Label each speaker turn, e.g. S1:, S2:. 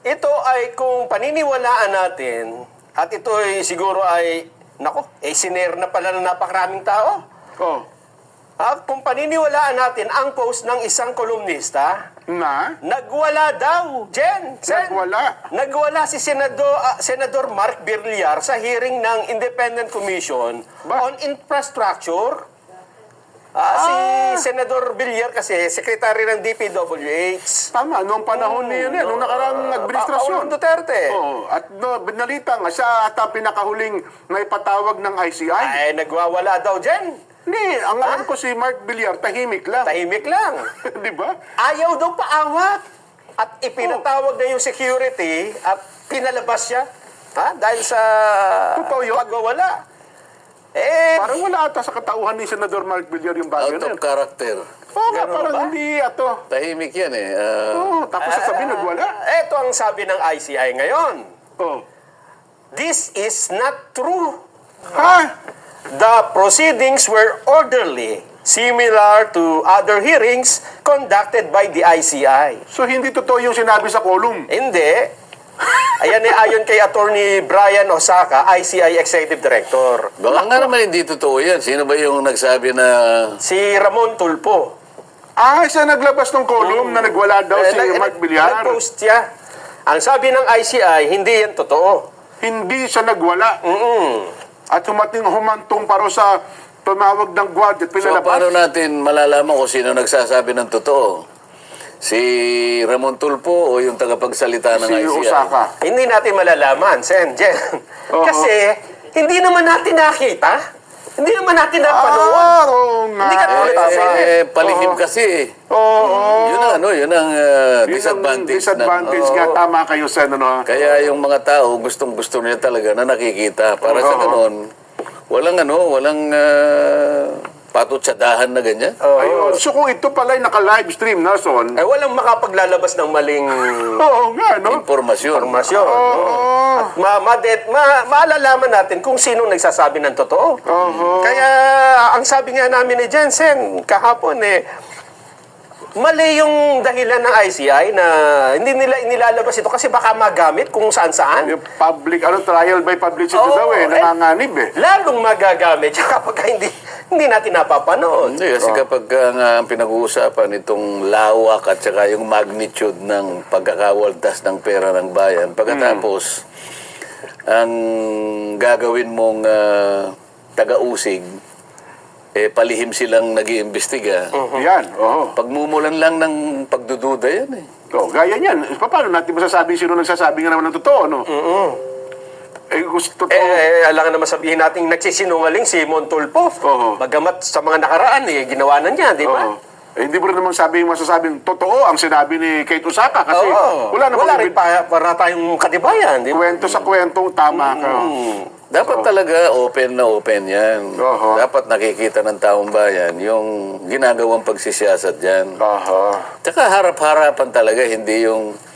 S1: ito ay kung paniniwalaan natin, at ito ay siguro ay, siner na pala ng napakaraming tao.
S2: Oh.
S1: Kung paniniwalaan natin ang post ng isang kolumnista, nagwala daw, Jen. Nagwala si Senador Mark Villar sa hearing ng Independent Commission on Infrastructure. Si Senador Villar kasi, sekretary ng DPWH.
S2: Tama, noong panahon niya, noong nakaraang administrasyon.
S1: Duterte.
S2: At binalita nga, siya ata pinakahuling na ipatawag ng ICI.
S1: Ay, nagwawala daw, Jen.
S2: Hindi, ang alam ko si Mark Villar, tahimik lang.
S1: Tahimik lang.
S2: Di ba?
S1: Ayaw daw paawat. At ipinatawag na yung security at pinalabas siya. Dahil sa pagwawala.
S2: Parang wala ata sa katauhan ni Senador Mark Villar yung bagay
S3: Out of character.
S2: Oo nga, parang hindi ato.
S3: Tahimik yan eh.
S2: Tapos sasabihin, nagwala.
S1: Ito ang sabi ng ICI ngayon. This is not true. The proceedings were orderly, similar to other hearings conducted by the ICI.
S2: So, hindi totoo yung sinabi sa column?
S1: Hindi. Ayon kay Attorney Brian Osaka, ICI Executive Director.
S3: Baka nga naman hindi totoo yan. Sino ba yung nagsabi na...
S1: Si Ramon Tulpo.
S2: Siya naglabas ng column na nagwala daw si Mark Villar.
S1: Nag-post siya. Ang sabi ng ICI, hindi yan totoo.
S2: Hindi siya nagwala. At humantong paro sa tumawag ng guard at
S3: So,
S2: pinalabas.
S3: paano natin malalaman kung sino nagsasabi ng totoo? Si Ramon Tulpo o yung tagapagsalita ng ICI?
S2: Si Osaka.
S1: Hindi natin malalaman, Sen, Jen. Kasi, hindi naman natin nakita. Hindi naman natin napanood. Hindi ka tulad sa
S3: palihim kasi. Yun ang disadvantage.
S2: Disadvantage nga, tama kayo, Sen.
S3: Kaya yung mga tao, gustong-gusto nila talaga na nakikita. Para sa ganon, walang patutsadahan na ganyan.
S2: So kung ito pala ay naka-live stream na, Son.
S1: Walang makapaglalabas ng maling
S3: Impormasyon.
S1: At maalalaman natin kung sino nagsasabi ng totoo. Kaya ang sabi nga namin ni Jensen kahapon mali yung dahilan ng ICI na hindi nila inilalabas ito kasi baka magamit kung saan-saan.
S2: Yung public, trial by publicity daw nanganganib
S1: Lalong magagamit kapag hindi natin napapanood.
S3: Hindi, kasi kapag ang pinag-uusapan itong lawak at saka yung magnitude ng pagkakawaldas ng pera ng bayan, pagkatapos ang gagawin mong taga-usig, palihim silang nag-iimbestiga.
S2: Yan,
S3: Pagmumulan lang ng pagdududa yan
S2: gaya niyan. Paano natin masasabi sino nagsasabi nga naman ng totoo, no? Totoo.
S1: Alam nga naman sabihin natin nagsisinungaling si Montulpo. Bagamat sa mga nakaraan, ginawa na niya, di ba?
S2: Hindi mo rin naman masasabing totoo ang sinabi ni Kate Osaka kasi wala
S1: rin para tayong katibayan. Di ba?
S2: Kwento sa kwentong tama ka.
S3: Dapat talaga open na open yan. Dapat nakikita ng taong bayan yung ginagawang pagsisiyasat dyan. Tsaka harap-harapan talaga, hindi yung